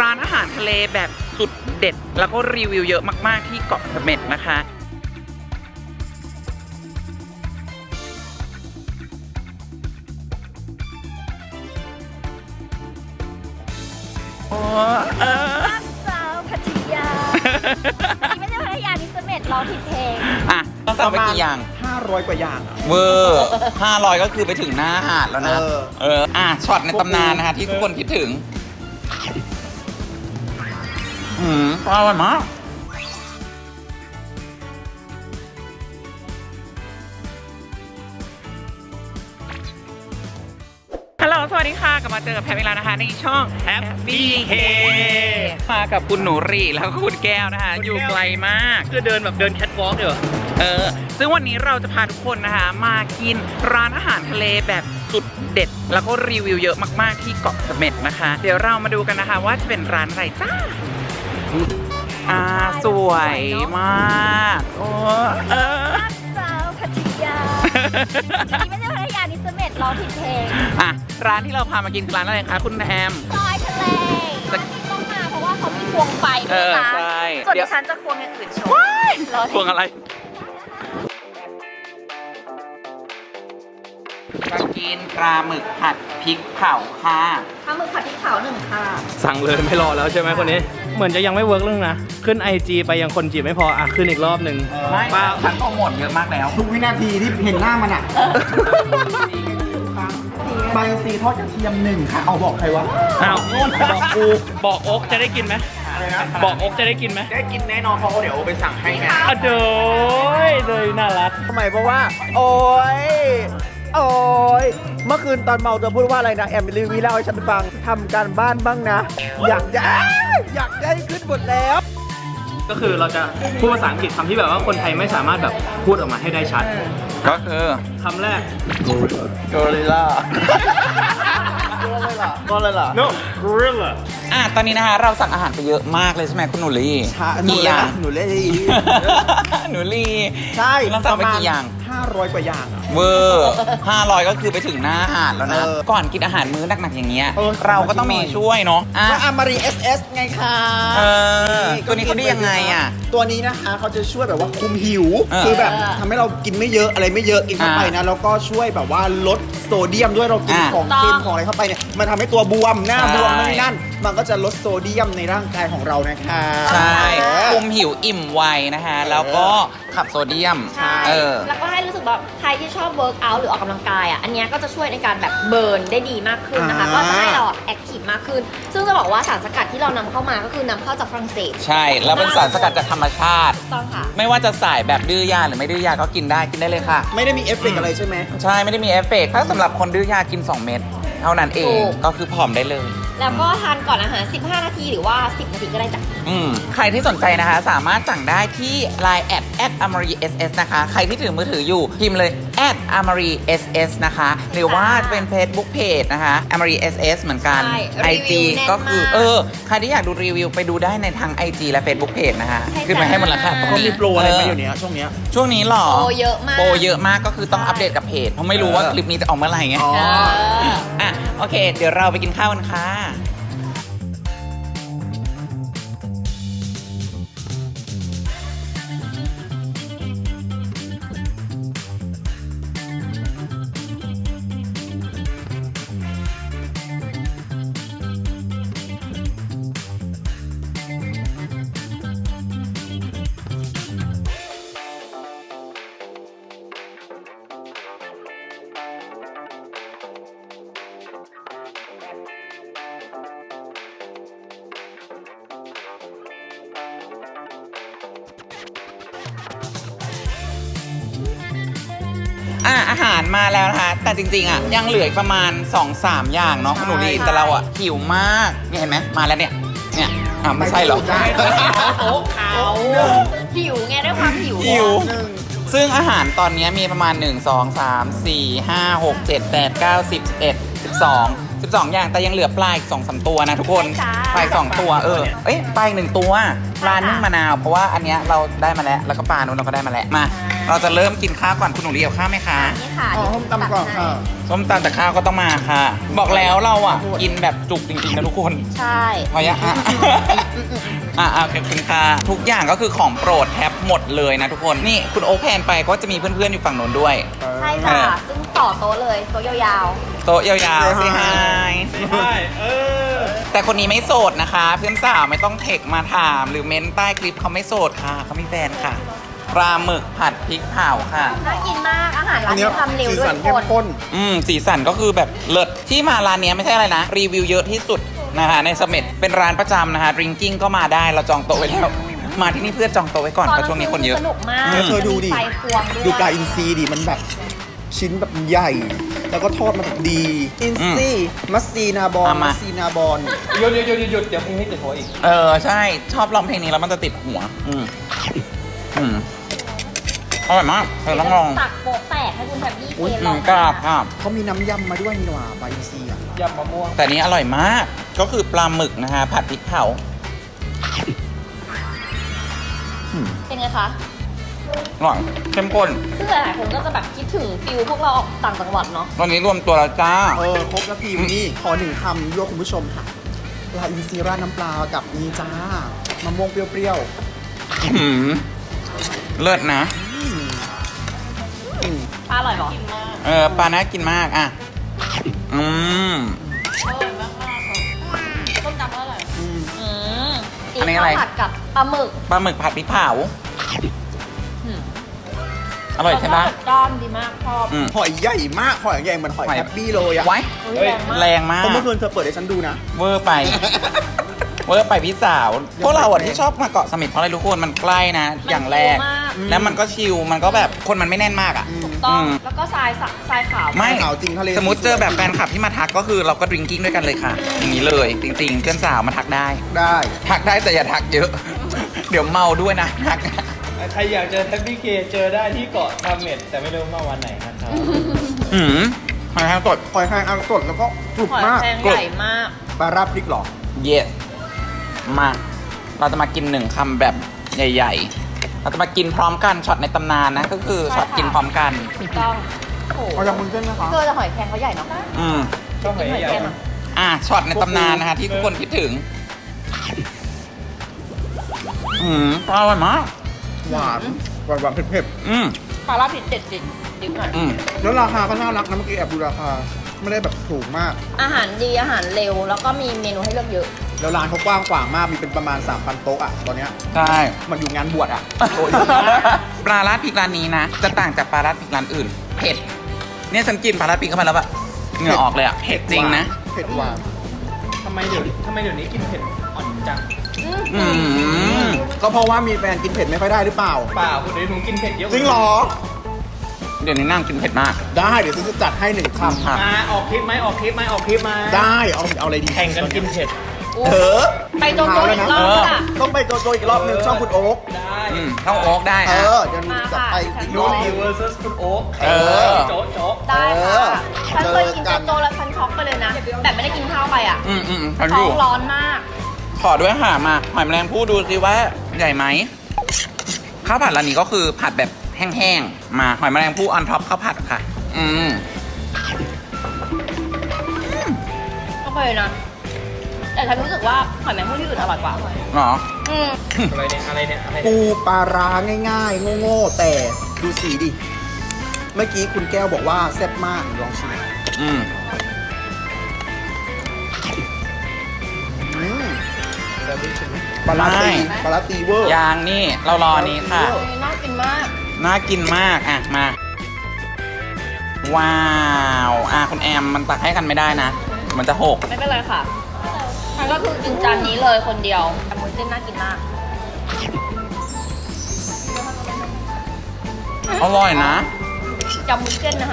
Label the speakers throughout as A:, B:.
A: านอาหารทะเลแบบสุดเด็ดแล้วก็รีวิวเยอะมากๆที่เกาะเสม็ดนะคะโอ้
B: สาวพัทยาอันนี้ไม่ใช่พัทยานี่เสม็ดร้องผิดเพลง
A: อ่ะต้องสั่งไปกี่อย่าง
C: 500 กว่าอย่าง
A: เวอร์500ก็คือไปถึงหน้าหาดแล้วนะช็อตในตำนานนะคะที่ทุกคนคิดถึงอร่อยมากฮัลโหลสวัสดีค่ะกลับมาเจอกับแพมอีกแล้วนะคะในช่อง Happy K มากับคุณหนูรีแล้วก็คุณแก้วนะคะอยู่ไกลมาก
C: จะเดินแบบเดินแคทวอล์กเหรอ
A: ซึ่งวันนี้เราจะพาทุกคนนะคะมากินร้านอาหารทะเลแบบสุดเด็ดแล้วก็รีวิวเยอะมากๆที่เกาะเสม็ดนะคะเดี๋ยวเรามาดูกันนะคะว่าจะเป็นร้านอะไรจ้าสวยมากโอ้
B: สาวพัทยาอันนี้ไม่ใช่พัทยานี่เสม็ดร้องผิดเพลง
A: ร้านที่เราพามากินคือร้านอะไรคะคุณแอม
B: ซอยทะเลต้องมาเพราะว่าเขามีควงไฟด้วยนะส่วนดิฉันจะควงอย่างอื่นโชว์
A: ควงอะไรจะกินปลาหมึกผัดพริกเผาค่ะ
B: ปลาหมึกผัดพริกเผา1 ค่ะ
C: สั่งเลยไม่รอแล้วใช่ไหมคนนี้เหมือนจะยังไม่เวิร์กเรื่องนะขึ้น IG ไปยังคนจีบไม่พอขึ้นอีกรอบหนึ่ง
A: ป้าฉันโปรโมทเยอะมากแล้ว
D: ทุกวินาทีที่เห็นหน้ามันอ่ะใบซีทอดกระเทียม1 ค่ะเอาบอกใครวะ
C: บอกกูบอกโอ๊กจะได้กินไหมบอกโอ๊กจะได้กินไหม
D: ได้กินแน่นอนเพราะเดี๋ยวไปสั่งให้ไง
C: เด้อเลยน่ารัก
D: ทำไมเพราะว่าโอ๊ยเมื่อคืนตอนเมาจะพูดว่าอะไรนะแอมรีวิวเล่าให้ฉันฟังทำการบ้านบ้างนะอยากได้ขึ้นหมดแล้ว
C: ก็คือเราจะพูดภาษาอังกฤษคำที่แบบว่าคนไทยไม่สามารถแบบพูดออกมาให้ได้ชัด
A: ก็คือ
C: คำแรก
D: gorilla ก็เลยล่ะ
C: no gorilla
A: ตอนนี้นะคะเราสั่งอาหารไปเยอะมากเลยใช่ไหมคุณหนูลี
D: กี่อย่างหนูลีใช่
A: เราสั่งไปกี่อย่าง
D: 500 กว่าอย่าง
A: เวอร์500ก็คือไปถึงหน้าหาดแล้วนะก่อนกินอาหารมื้อหนักๆอย่างเงี้ยเราก็ต้องมีช่วยเนาะ
D: ก็อามารี SS ไงคะ
A: ตัวนี้เขาได้ยังไง
D: ตัวนี้นะคะเขาจะช่วยแบบว่าคุมหิวคือแบบทำให้เรากินไม่เยอะอะไรไม่เยอะกินเข้าไปนะแล้วก็ช่วยแบบว่าลดโซเดียมด้วยเรากินของเค็มของอะไรเข้าไปเนี่ยมันทำให้ตัวบวมหน้าบวมนั่นมันก็จะลดโซเดียมในร่างกายของเรานะคะ
A: ใช่คุมหิวอิ่มไวนะคะแล้วก็ขับโซเดียม
B: แล้วก็ให้รู้สึกแบบใครที่ชอบเวิร์กอัลหรือออกกำลังกายอันนี้ก็จะช่วยในการแบบเบิร์นได้ดีมากขึ้นนะคะก็จะให้เราแอคทีฟมากขึ้นซึ่งจะบอกว่าสารสกัดที่เรานำเข้ามาก็คือนำเข้าจากฝรั่งเศส
A: ใช่แล้วเป็นสารสกัดจากธรรมชาติ
B: ต้องค่ะ
A: ไม่ว่าจะสายแบบดื้อยาหรือไม่ดื้อยาก็กินได้เลยค่ะ
D: ไม่ได้มีเอฟเฟกต์อะไรใช่ไหม
A: ใช่ไม่ได้มีเอฟเฟกต์ถ้าสำหรับคนดื้อยากิน2 เม็ดเท่านั้นเองก็คือผอมได้เลย
B: แล้วก็ทานก่อนอาหาร15 นาทีหรือว่า10 นาทีก็ได้จ้ะ
A: ใครที่สนใจนะคะสามารถสั่งได้ที่ Line @amaryss นะคะใครที่ถือมือถืออยู่พิมพ์เลย @amaryss นะคะหรือว่าเป็น Facebook Page นะคะ amaryss เหมือนกัน IG ก็คือใครที่อยากดูรีวิวไปดูได้ในทาง IG และ Facebook Page นะคะขึ้นมาให้หมดแล้วค่ะ
D: ก็มีโปรอะไรมาอยู่เนี้ยช่วง
A: นี้หรอ
B: โปรเยอะม
A: ากก็คือต้องอัปเดตกับเพจเพราะไม่รู้ว่าคลิปนี้จะออกเมื่อไหร่ไงโอเคเดี๋ยวเราไปกินข้าวกันค่ะอาหารมาแล้วนะคะแต่จริงๆยังเหลือประมาณ 2-3 อย่างเนาะคุณหนูดีแต่เราหิวมากนี่เห็นไหมมาแล้วเนี่ยไม่ใช่หรอ
B: โต๊ะเขาหิวไงด้วยความหิว
A: ซึ่งอาหารตอนนี้มีประมาณ1 2 3 4 5 6 7 8 9 10 11 12 12 อย่างแต่ยังเหลือปลาอีก2-3 ตัวนะทุกคน
B: ใช่
A: ปลาอีก2 ตัวเอ้ยปลาอีก1 ตัวปลานึ่งมะนาวเพราะว่าอันเนี้ยเราได้มาแล้วก็ปลานู้นเราก็ได้มาแล้วมาเราจะเริ่มกินข้าวก่อนคุณหนูเรียวข้าวไหมคะ
B: นี่ค่ะ
D: อ๋อส้มตำก่อนค่ะ
A: ส้มตำแต่ข้าวก็ต้องมาค่ะ บอกแล้วเราอ่ะกินแบบจุกจริงๆนะทุกคน
B: ใช่
A: พอยังขอบคุณค่ะทุกอย่างก็คือของโปรดแทบหมดเลยนะทุกคนนี่คุณโอ๊คแพนไปก็จะมีเพื่อนๆอยู่ฝั่งโน้นด้วย
B: ใช่ค่ะ ซึ่งต่อโต๊ะเลยโต๊ะยาว
A: โต๊ะยาวๆสิไฮ
C: ใช่
A: แต่คนนี้ไม่โสดนะคะ เพื่อนสาวไม่ต้องเทคมาถามหรือเม้นใต้คลิปเขาไม่โสดค่ะเขามีแฟนค่ะปลาหมึกผัดพริกเผาค่ะ
B: ๆน่ากินมากอาหารร้า
D: อั
B: น
D: นเนี้
B: นี้
D: ย
B: ทำเร็ว
D: สี
B: ด้วย
D: สัน
B: ทุก
D: เข้ม
B: คน
D: ข้น
A: สีสันก็คือแบบเลิศที่มาร้านนี้ไม่ใช่อะไรนะ รีวิวเยอะที่สุดนะคะในเสม็ดเป็นร้านประจำนะคะดริงกิ้งก็มาได้เราจองโต๊ะไว้แล้วมาที่นี่เพื่อจองโต๊ะไว้ก่อนเพราะช่วงนี้คนเยอะ
B: สนุกมาก
D: เธอดูดิ
B: มีไฟควงด้วย
D: ดูปลาอินทรีดิมันแบบชิ้นแบบใหญ่ แล้วก็ทอดมาแบบดี อินทรีมัสซีนาบอล
A: เอามา
D: มัสซีนาบอล
C: หยุดเดี๋ยวพรุ่งนี้ติดหัวอีก
A: ใช่ชอบร้องเพลงนี้แล้วมันจะติดหัวอร่อยมากเธอต้องลอง
B: ตักโปะแตกให้คุณแทบบี้เทลอง
A: กราบครับ
D: เขามีน้ำยำมาด้วยนี่หว่าปลาอินทรีอ่ะ
C: ยำมะม่วง
A: แต่นี้อร่อยมากก็คือปลาหมึกนะคะผัดพริกเผา
B: เป็นไงคะ
A: อร่อยเข้มข้น
B: ซึ่งหลายๆคนก็จะแบบคิดถึงฟิลพวกเราออกต่างจังหวัดเนาะ
A: ตอนนี้รวมตัวแล้วจ้า
D: ครบแล้วพี่วันนี้ขอหนึ่งคำยั่วคุณผู้ชมค่ะปลาอินทรีราดน้ำปลากับนี่จ้ามะม่วงเปรี้ยว
A: เลิศนะ
B: ปลาอร่อยเหรอ
A: ปลาน่ากินมากอ่ะอืม อันนี้อะไร
B: ข้าวผัดกับปลาหมึก
A: ปลาหมึกผัดพริกเผาอร่อยใช่ปะ
B: แล้วก็ด้านดีมากชอบ
D: หอยใหญ่มากหอยใหญ่เหมือนหอยแฮปปี้เลยอะ
A: ไว้
B: อุ๊ยแรงมาก
A: แรงมาก
D: เพราะเมื่อคืนเธอเปิดให้ฉันดูนะ
A: เวอร์ไป เวอร์ไปพี่สาว พวกเราอ่ะที่ชอบมาเกาะเสม็ดเพราะอะไรทุกคนมันใกล้นะ อย่างแรก
B: มันชิลมาก
A: แล้วมันก็ชิลมันก็แบบคนมันไม่แน่นมากอ่ะ
B: ถูกต้อง
A: อืม
B: แล้วก็ทรายขาว
A: ไม่
D: ขาวจริงทะเล
A: สมมติเจอแบบแฟนคลับที่มาทักก็คือเราก็ดริงกิ้งด้วยกันเลยค่ะ อย่างนี้เลยจริงๆเพื่อนสาวมาทักได้
D: ได้
A: ทักได้แต่อย่าทักเยอะ เดี๋ยวเมาด้วยนะทัก
C: ใครอยากเจอแท็บบี้เคเจอได้ที่เกาะเสม็ดแต่ไม่รู้มาวันไหนนะครับ
A: หอยแครงสด
D: หอยแครงอังสดแล้วก็กรุบ
B: หอย
D: มาก
B: แครง
A: กรุบ
B: ใหญ่มาก
D: ปลาราดพริกเหรอ
A: เยสมา เราจะมากินหนึ่งคำแบบใหญ่ๆ เราจะมากินพร้อมกันช็อตในตำนานนะ ก็คือ
B: ใช่
A: ช็อต
B: ค่ะ
A: กินพร้อมกัน
B: ถูกต้องโอ้โห
D: เอาจากมุนเส้นนะคะ
B: เจอแต่หอยแครงเขาใหญ่เนาะ
A: อืม
C: ชอบหอย
B: หอย
C: ใหญ่
B: แครงอะ
A: ช็อตในตำนานนะคะที่ทุกคนคิดถึง อร่อยมาก
D: หวานหวานเผ็ด
B: ปลาลาดผิดเด็ดดิบหน่อย
D: ๆแล้วราคาก็น่ารักนะเมื่อกี้แอบดูราคา ไม่ได้แบบถูกมาก
B: อาหารดีอาหารเร็วแล้วก็มีเมนูให้เลือกเยอะ
D: แล้วร้านเขากว้างขวางมาก มีเป็นประมาณ 3,000 โต๊ะอะตอนเนี้ย
A: ใช่
D: มันอยู่งานบวชอะ
A: ปลาราดพริกร้านนี้นะ จะต่างจากปลาราดพริกร้านอื่น เผ็ด เนี่ยฉันกินปลาราดพริกเข้าไปแล้วแบบเหงื่อออกเลยอ่ะ เผ็ดจริงนะ
D: เผ็ดหวาน
C: ทำไมเดี๋ยวนี้กินเผ็ดอ่อนจัง
A: อืม
D: ก็เพราะว่ามีแฟนกินเผ็ดไม่ค่อยได้หรือเปล่า
C: เปล่าคุณเดี๋ยวหนูกินเผ็ดเยอะ
D: จริงเหรอ
A: เดี๋ยวนี้นั่งกินเผ็ดมาก
D: ได้เดี๋ยวฉันจะจัดให้หนึ่งค
A: ค่ะ
C: มาออกคลิปไหมมา
D: ำได้เอาอะไรดี
C: แข่งกันกินเผ็ด
D: เออ
B: ไปโจโจอีกรอบค่ะ
D: ต้องไปโจโจอีกรอบหนึ่งช่องคุณโอ๊ค
C: ได้
A: ต้องโอ๊กได้
D: เอ
A: อะ
D: อ เดี๋ยวจัดไปอีกร
C: ยู
D: อบห
C: นิ
D: นึ่ง
C: เวอร์ซัสคุณโอ๊ค
A: เออ
C: โจ๊ะโจ๊ะ
B: ได้ค่ะ
D: เออ
B: ฉันเคยกิน
D: เจอกั
B: โจ
D: น
B: โจแล้วฉันช็อกไปเลยนะ แบบไม่ได้กินข้าวไปอ่ะ
A: ทันอ
B: ท้อยู่ งร้อนมาก
A: ขอด้วยค่ะมาหอยแมลงภู่ดูสิว่าใหญ่ไหมข้าวผัดร้านนี้ก็คือผัดแบบแห้งๆ มาหอยแมลงภู่ออนท็อปข้าวผัดค่ะ
B: ก็เคยนะ แต่ฉันรู้สึกว่าหอยแมงภู่ที่อื่นอร่อยกว่า
A: หรอ
C: อะไรเนี่ย
D: ปูปลาร้าง่ายๆ โง่ๆ แต่ดูสีดิ เมื่อกี้คุณแก้วบอกว่าแซ่บมากลองชิม
A: อืม
D: ปลาร้าตี
A: ไม่
D: ปลาร้าตีเวอร์
A: ยางนี่เรารอนี้ค่ะ
B: น่ากินมาก
A: น่ากินมากอ่ะมา ว้าวคุณแอมมันตักให้กันไม่ได้นะ มันจะหก
B: ไม่เป็นไรค่ะฉันก็คือกินจานนี้เลยคนเดียวแต่มุ้นเส้นน่ากินมาก
A: อร่อยนะ
B: จำมุ้นเส้นนะคะ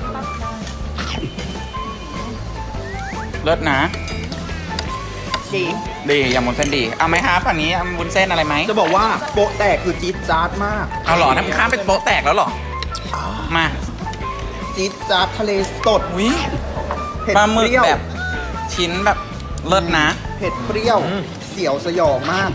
A: เลิศนะ
B: ดี
A: ดียำวุ้นเส้นดีเอาไหมคะฝั่งนี้เอาวุ้นเส้นอะไรไหม
D: จะบอกว่าโปะแตกคือจี๊ดจ๊าดมาก
A: เอาเหรอทำข้ามเป็นโป๊ะแตกแล้วเหรอมา
D: จี๊ดจ๊าดทะเลสด
A: อุ้ย
D: เผ็ด
A: ปลาหมึ
D: เป
A: ก
D: รี้ยว
A: แบบชิ้นแบบเลิศนะ
D: เผ็ดเปรี้ยว เสียวสยองมาก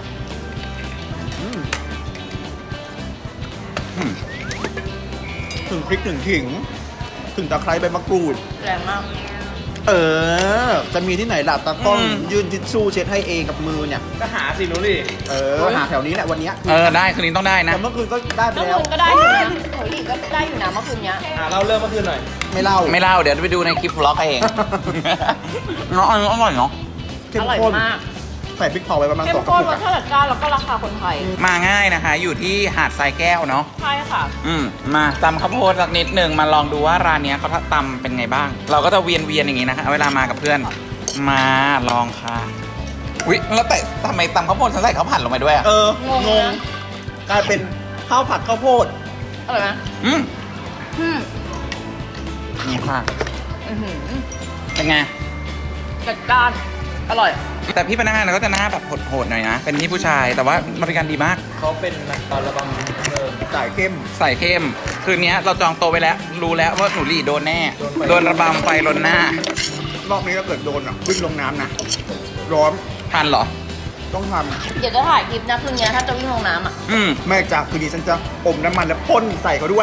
D: ถึงพริกถึงขิง ถึงตะไคร้ใบมะกรูด
B: แรงมาก
D: จะมีที่ไหนล่ะตากล้อง
A: อืม
D: ยืนทิชชู่เช็ดให้เองกับมือเนี่ย
C: ก็หาสินุรี
D: หาแถวนี้แหละวันเนี้ย
A: ได้คืนนี้ต้องได้นะ
D: แต่เมื่อคืนก็ได้ไป
B: เมื่อ
D: แล้ว
B: คืนก็ได้อยู่นะโอ้ยก็ได้อยู่นะเมื่อคืนเนี้ย
C: เราเริ่มเมื่อคืนหน่อย
D: ไม่เล่า
A: ไม่เล่าเดี๋ยวไปดูในคลิปบล็อกเอง เนาะอันนี้อร่อยเนาะ
D: เข้ม
B: อร่อย
D: ข้น
B: มาก
D: ใส่พริกเผาไปประมาณ
B: เข้
D: ส
B: ม
D: องกระ
B: ข้น
D: ปุก
B: รสชาติจัดจ้านแล้วก็ราคาคนไทย
A: มาง่ายนะคะ อยู่ที่หาดทรายแก้วเนาะ
B: ใช่ค่ะ
A: มาตำข้าวโพดสักนิดหนึ่งมาลองดูว่าร้านเนี้ยเขาตำเป็นไงบ้าง เราก็จะเวียนอย่างงี้นะคะเวลามากับเพื่อน มาลองค่ะอุ๊ยแล้วแต่ทำไมตำข้าวโพดฉันใส่ข้าวผัดลงไปด้วยอ่ะ
B: งงนะ
D: กลายเป็นข้าวผัดข้าวโพด
B: อร่อยไหม
A: อืม
B: อืม
A: นี่ค่ะ
B: อื้อหือ
A: เป็นไง
B: จัดจ้านอร่อย
A: แต่พี่พนักงานก็จะหน้าแบบโหดๆหน่อยนะ เป็นพี่ผู้ชายแต่ว่าบริการดีมาก
C: เขาเป็นนักตอนระบังเริ่ม
D: จ่ายเข้ม
A: ใส่เข้ม คืนนี้เราจองโต๊ะไว้แล้ว รู้แล้วว่าหนูหลี่โดนแน่ โดนระบำไฟลนหน้าร
D: อบนี้ถ้าเกิดโดนวิ่งลงน้ำนะ ร้อน
A: ทันเหรอ
D: ต้องท
B: เดี๋ยวจะถ่ายคลิปนะคืนนี้ถ้าจะวิ่งลงน้ำอ่ะ
A: อืม
D: ำแม่จากคืนนี้ฉันจะอมน้ำมันแล้วพ่นใส่เขาด้วย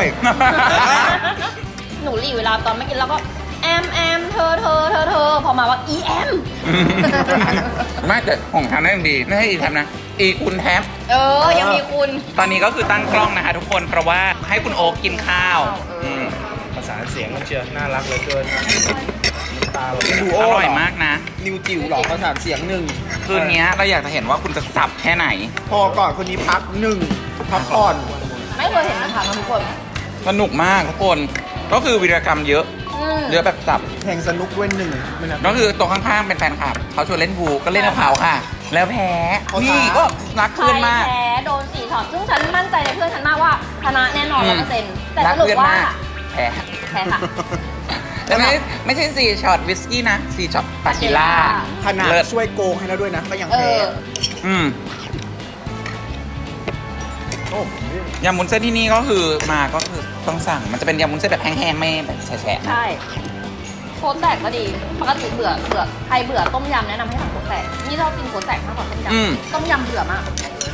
B: หนูหลีเวลาตอนไม่กินแล้วก็แอมเธอพอมาว่าอีแอม
A: ไม่แต่ของทางนั้นยังดี ไม่ใช่อีแทมนะ อีคุณแทม
B: ยังมีคุณ
A: ตอนนี้ก็คือตั้งกล้องนะคะทุกคนเพราะว่าให้คุณโอ๊คกินข้าวม
C: ภาษาเสียงมันเชียวน่ารักเหลือเกินน้ำตาเรา
D: ดู
A: อร่อยมากนะ
D: นิวจิ๋วหรอประสานเสียงหนึ่ง
A: คืนนี้เราอยากจะเห็นว่าคุณจะสับแค่ไหน
D: พอก่อนคนนี้พักหนึ่งพักก่อน
B: ไม่เคยเห็นนะคะทุกคน
A: สนุกมากทุกคน ก็คือวีรกรรมเยอะ เยอะแบบสับ
D: แทงสนุกด้วยหนึ่งไม่นะ
A: ก็คือตัวข้างๆเป็นแฟนคลับเขาชวนเล่นพูลก็เล่นกับเขาค่ะ แล้วแพ้
D: เขาท้า
A: นี่ก็รัก
B: ใคร
A: เพื่อนมาก
B: แพ้โดน4ช็อตซึ่งฉันมั่นใจในเพื่อนฉันมากว่าชนะแน่นอน 100%แต่
A: รั
B: ส
A: ก
B: รุป
A: เพื่อน
B: ว่าม
A: ากแพ้
B: แพ้ค่ะ
A: แต่ไม่ใช่4ช็อตวิสกี้นะ4ช็อตปากิล่า
D: ขนาด
A: เลิศ
D: ช่วยโกงให้แล้วด้วยนะ ก็ยัง
B: เอ
D: แพ้
B: อ
A: อืม
D: โอ้
A: ยำมุ้นเส้นที่นี่ก็คือมาก็คือต้องสั่งมันจะเป็นยำมุ้นเส้นแบบแห้งๆไม่แบบแฉะๆนะ
B: ใช่โค้ดแตกก็ดีปกติเบื่อใครเบื่อต้มยำแนะนำให้ทำโค้ดแตกนี่ชอบกินโค้ดแตกมากกว่าต้มยำต้มยำเบื่อมาก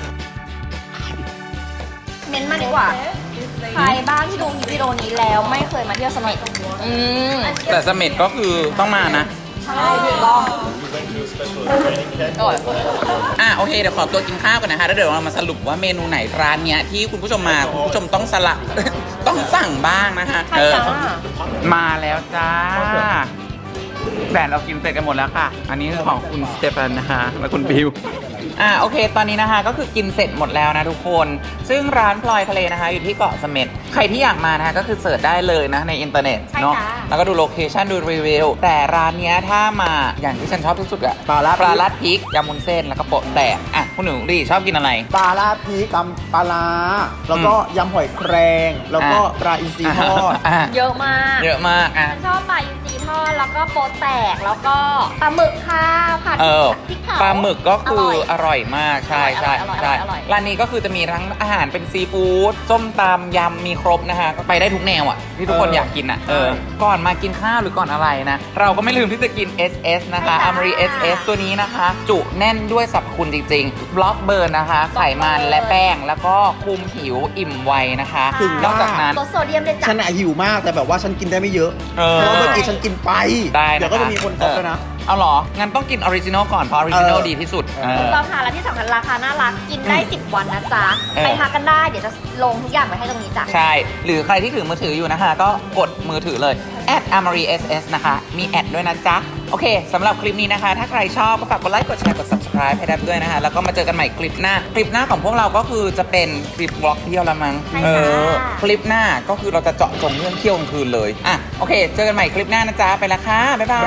B: เม้นต์มาดีกว่า ใครบ้างที่ดูวิดีโอนี้แล้วไม่เคยมาเที่ยวเสม็ด
A: แต่เสม็ดก็คือต้องมานะ
B: ใช่ถูกต้องอร่อย
A: โอเคเดี๋ยวขอตัวกินข้าวกันนะคะแล้วเดี๋ยวเรามาสรุปว่าเมนูไหนร้านเนี้ยที่คุณผู้ชมมาคุณผู้ชมต้องสลับ ต้องสั่งบ้างนะคะ
B: ใช่จ้า
A: มาแล้วจ้าแต่เรากินเสร็จกันหมดแล้วค่ะ อันนี้คือของคุณสเตฟานนะคะและคุณบิวโอเค ตอนนี้นะคะก็คือกินเสร็จหมดแล้วนะทุกคน ซึ่งร้านพลอยทะเลนะคะ อยู่ที่เกาะเสม็ดใครที่อยากมานะคะก็คือเสิร์ชได้เลยนะในอินเทอร์เน็ตเนาะแล้วก็ดูโลเคชั่นดูรีวิวแต่ร้านเนี้ยถ้ามาอย่างที่ฉันชอบที่สุดอะ
D: ปลาลาด
A: ปลาลัดพริกยำมุนเส้นแล้วก็โปะแตกคุณหนูดีชอบกินอะไร
D: ปลาลาดพริกตำปลาร้าแล้วก็ยำหอยแครงแล้วก็ปลาอินทรีทอด
B: เยอะมาก
A: เยอะมาก
B: ฉันชอบปลาอินทรีทอดแล้วก็โปะแตกแล้วก็ปลาหมึกค่ะผัดพริกเผา
A: ปลาหมึกก็คืออร่อยมากใช่
B: อร่อย
A: ร้านนี้ก็คือจะมีทั้งอาหารเป็นซีฟู้ดส้มตำยำมีครบนะคะก็ไปได้ทุกแนวที่ทุกคนอยากกินก่อนมากินข้าวหรือก่อนอะไรนะเราก็ไม่ลืมที่จะกิน SS นะคะอ m มรี SS ตัวนี้นะคะ จุแน่นด้วยสรรพคุณจริงๆบล็อกเบิร์นนะคะไขมันและแป้งแล้วก็คุมผิวอิ่มไวนะคะ
D: ถึง
A: นอกจากนั้น
B: ลดโซเดียมเลยจ้ะ
D: ฉันอะหิวมากแต่แบบว่าฉันกินได้ไม่เยอะ เพราะว่าเมื่อกี้ฉันกินไป
A: ได้นะคะ
D: เดี๋ยวก็จะมีคนตบด้วยนะ
A: เอาเหรอ งั้นต้องกินออริจินอลก่อน เพราะออริจินอลดีที่สุด
B: ถูกต้องค่ะและที่สำคัญราคาน่ารักกินได้ 10 วันนะจ๊ะ
A: เออ
B: ไปทักกันได้เดี๋ยวจะลงทุกอย่างไว้ให้ตรงนี้จ้ะ
A: ใช่ หรือใครที่ถือมือถืออยู่นะคะ ก็กดมือถือเลย @amariss นะคะ มีแอดด้วยนะจ๊ะ โอเคสำหรับคลิปนี้นะคะ ถ้าใครชอบก็ฝากกดไลค์ กดแชร์ กด subscribe ให้ดับด้วยนะคะ แล้วก็มาเจอกันใหม่คลิปหน้า คลิปหน้าของพวกเราก็คือจะเป็นคลิปบล็อกเที่ยวละมั้ง
B: ใช่ค่ะ
A: คลิปหน้าก็คือเราจะเจาะจงเรื่องเที่ยวกลางคืนเลยโอเค เจอกันใหม่คลิปหน้านะจ๊ะ ไปละค่ะ บ๊ายบาย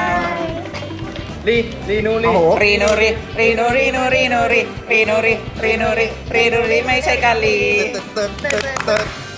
C: รีนูรี
D: โอ้โห
A: รีโนรีรีโนรีโนรีโนรีรีโนรีรีโนรีรีโนรีไม่ใช่กาลี
D: เติร์ด